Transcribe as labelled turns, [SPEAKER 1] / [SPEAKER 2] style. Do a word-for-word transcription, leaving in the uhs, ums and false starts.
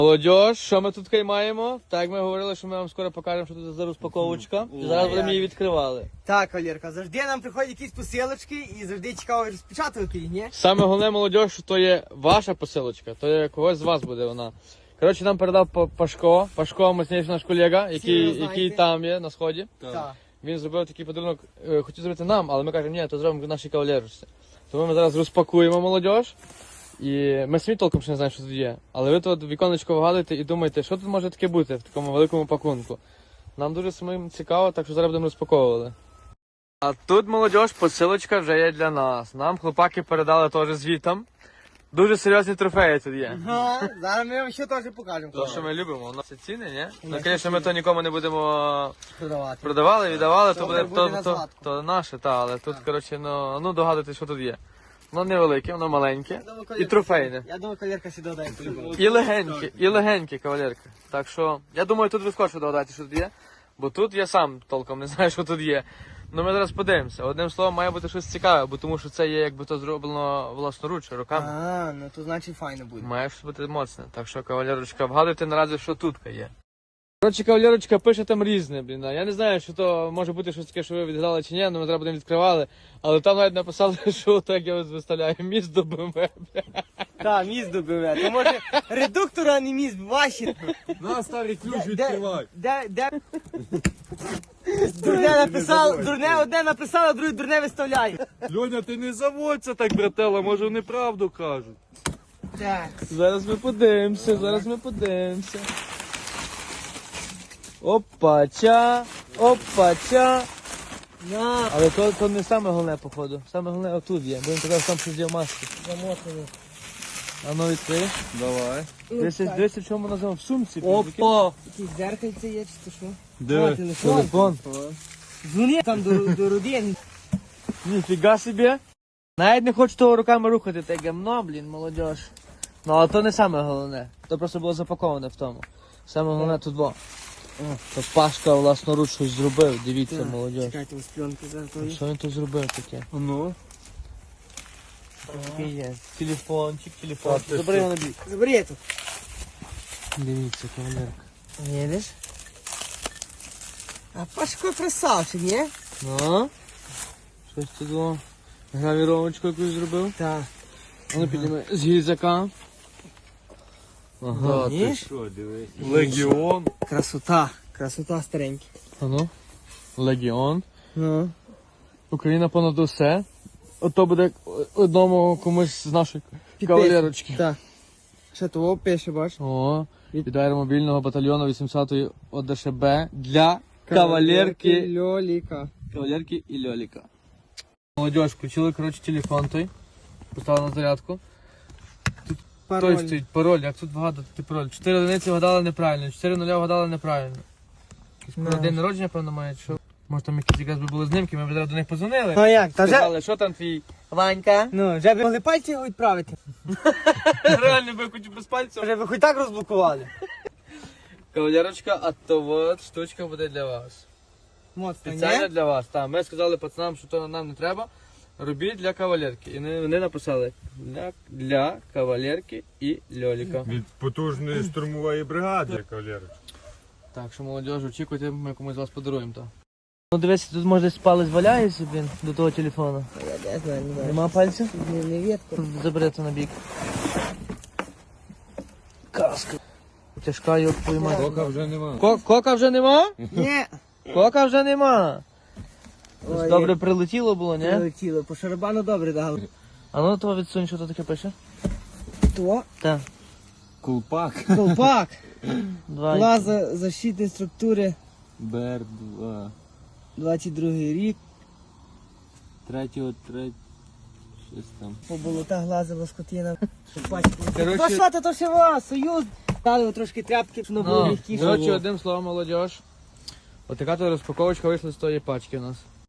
[SPEAKER 1] Молодіж, що ми тут кай маємо? Так, як ми говорили, що ми вам скоро покажемо, що тут за розпаковочка. І зараз будемо її відкривали.
[SPEAKER 2] Так, Валерка, завжди нам приходять якісь посилочки і завжди цікаво розпечатувати їх, ні?
[SPEAKER 1] Саме головне, молодіж, що то є ваша посилочка, то є когось з вас буде вона. Коротше, нам передав Па- Пашко. Пашко, мощніший наш колега, який,
[SPEAKER 2] ви знаєте.
[SPEAKER 1] який там є на сході.
[SPEAKER 2] Так.
[SPEAKER 1] Він зробив такий подарунок, е, хотів зробити нам, але ми кажемо, ні, то зробимо нашій кавалерочці. Тому ми зараз розпакуємо молодіж. І ми самі толком ще не знаємо, що тут є. Але ви тут віконечко вгадуєте і думаєте, що тут може таке бути в такому великому пакунку. Нам дуже самим цікаво, так що зараз будемо розпаковувати. А тут, молодіж, посилочка вже є для нас. Нам хлопаки передали теж звітом. Дуже серйозні трофеї тут є.
[SPEAKER 2] Ага, зараз ми вам ще теж покажемо.
[SPEAKER 1] То, що ми любимо, у нас це ціни, ні? Ну, звісно, ми то нікому не будемо
[SPEAKER 2] Продавати.
[SPEAKER 1] продавали, віддавали, то
[SPEAKER 2] Добре,
[SPEAKER 1] буде,
[SPEAKER 2] буде
[SPEAKER 1] то,
[SPEAKER 2] на
[SPEAKER 1] то,
[SPEAKER 2] згадку.
[SPEAKER 1] то наше, та, але тут, коротше, ну, ну догадуйтесь, що тут є. Воно невелике, воно маленьке і трофейне.
[SPEAKER 2] Я думаю, кавалерка сюди дає по-любому.
[SPEAKER 1] І легенькі, і легенькі, кавалерка. Так що, я думаю, тут ви скорше догадаєте, що тут є. Бо тут я сам толком не знаю, що тут є. Ну ми зараз подивимося. Одним словом, має бути щось цікаве, бо тому що це є якби то зроблено власноруч, руками.
[SPEAKER 2] А, ну то значить файно буде.
[SPEAKER 1] Має щось бути моцне. Так що, кавалерочка, вгадуйте наразі, що тут є. Коротше, кавалерочка пише там різне, блін. Я не знаю, що то може бути щось таке, що ви відгадали чи ні, але ми зараз будемо відкривали. Але там навіть написали, що так я ось виставляю міст до БМВ.
[SPEAKER 2] Так, міст добиве. То може редуктор, а не міст, ваші.
[SPEAKER 3] На, старий ключ
[SPEAKER 2] Де,
[SPEAKER 3] відкривай.
[SPEAKER 2] де, де? Дурне написало, дурне одне написало, а друге дурне виставляє.
[SPEAKER 3] Льоня, ти не заводься так, братела, може вони правду кажуть.
[SPEAKER 2] Так.
[SPEAKER 1] Зараз ми подивимося, зараз ми подивимося. Опача, опача.
[SPEAKER 2] На,
[SPEAKER 1] Але то, то не саме головне, походу. Саме головне отут є, бо він казав, там щось є в масці.
[SPEAKER 2] замотано.
[SPEAKER 1] А ну відкрий.
[SPEAKER 3] Давай.
[SPEAKER 1] Дивися, дивися, в чому називав, в сумці.
[SPEAKER 3] Опа!
[SPEAKER 2] Якісь дзеркальце є, чи то що?
[SPEAKER 3] Де?
[SPEAKER 2] О, телефон.
[SPEAKER 1] Телефон.
[SPEAKER 2] Дзвони там до, до родин.
[SPEAKER 1] Ніфіга собі. Навіть не хочу того руками рухати, те гамно, блін, молодіж. Ну, але то не саме головне. То просто було запаковане в тому. Саме головне тут було. То Пашка власноруч щось зробив, дивіться, молодіж.
[SPEAKER 2] Чекайте, ось пленки зараз то є.
[SPEAKER 1] Що він тут зробив таке?
[SPEAKER 3] Ну.
[SPEAKER 1] Таке є. Телефончик, телефончик.
[SPEAKER 3] ти
[SPEAKER 1] Забери
[SPEAKER 3] що?
[SPEAKER 1] його на бік.
[SPEAKER 2] Забери тут.
[SPEAKER 1] Дивіться, кавалерка.
[SPEAKER 2] Видиш? А Пашко красавчик, ні?
[SPEAKER 1] Ну, щось тут було. Гравіровочку якусь зробив.
[SPEAKER 2] Так.
[SPEAKER 1] Воно підніме з гільзака. Ага.
[SPEAKER 3] Да, ти
[SPEAKER 2] Ніж?
[SPEAKER 3] що, дивись. Легіон.
[SPEAKER 2] Красота. Красота старенька.
[SPEAKER 1] А ну. Легіон.
[SPEAKER 2] Ну.
[SPEAKER 1] Україна понад усе. Ото буде одному комусь з нашої кавалерочки.
[SPEAKER 2] Так. Що того пише, бач?
[SPEAKER 1] О, від аеромобільного батальйону вісімдесятої ОДШБ для кавалерки,
[SPEAKER 2] Льоліка.
[SPEAKER 1] кавалерки і льоліка. Молодіж, включили, коротше, телефон той. Поставили на зарядку. Той
[SPEAKER 2] Пароль.
[SPEAKER 1] стоїть пароль, як тут вгадати пароль. Чотири одиниці вгадали неправильно, чотири нуля вгадали неправильно. Якийсь
[SPEAKER 2] Ну.
[SPEAKER 1] про день народження, певно, має, що? Може там якісь якраз би були знимки, ми б зараз до них позвонили.
[SPEAKER 2] Ну як, та вже?
[SPEAKER 1] Сказали, що там твій Ванька?
[SPEAKER 2] Ну, вже б могли пальці його відправити.
[SPEAKER 1] Реально би хоч без пальців.
[SPEAKER 2] Вже б хоч так розблокували.
[SPEAKER 1] Кавалерочка, а то от штучка буде для вас.
[SPEAKER 2] Моцно,
[SPEAKER 1] Спеціально
[SPEAKER 2] ні?
[SPEAKER 1] для вас. Так, ми сказали пацанам, що то нам не треба. Робіть для кавалерки. І вони, вони написали для, для кавалерки і льоліка.
[SPEAKER 3] Від потужної штурмової бригади, кавалерич.
[SPEAKER 1] Так що, молодіж, очікуйте, ми комусь з вас подаруємо то. Ну дивись, тут може десь палець валяється, блін, до того телефону.
[SPEAKER 2] Я не знаю, не знаю.
[SPEAKER 1] Нема пальців?
[SPEAKER 2] Не, не ветка.
[SPEAKER 1] Забери це на бік. Каска. Тяжка його поймати.
[SPEAKER 3] Кока вже нема.
[SPEAKER 1] Ко- Кока вже нема?
[SPEAKER 2] Ні.
[SPEAKER 1] Кока вже нема.
[SPEAKER 2] Ой,
[SPEAKER 1] Добре прилетіло було, ні?
[SPEAKER 2] прилетіло. По шарабану добре дали.
[SPEAKER 1] А ну то відсунь, що то таке пише?
[SPEAKER 2] То?
[SPEAKER 1] Так.
[SPEAKER 3] Кулпак.
[SPEAKER 2] Колпак.
[SPEAKER 1] Два.
[SPEAKER 2] Плаза защитної структури.
[SPEAKER 3] Бер два.
[SPEAKER 2] двадцять другий рік.
[SPEAKER 3] Третього, третього. Щось там.
[SPEAKER 2] По болотах лазила скотина. Пачку.
[SPEAKER 1] Коротше-
[SPEAKER 2] То що ти, то ще вас, союз. Дали трішки тряпки, щоб воно було
[SPEAKER 1] Ну,
[SPEAKER 2] м'якіше.
[SPEAKER 1] коротше, одним словом, молодіж. Отака то розпаковочка вийшла з тої пачки у нас.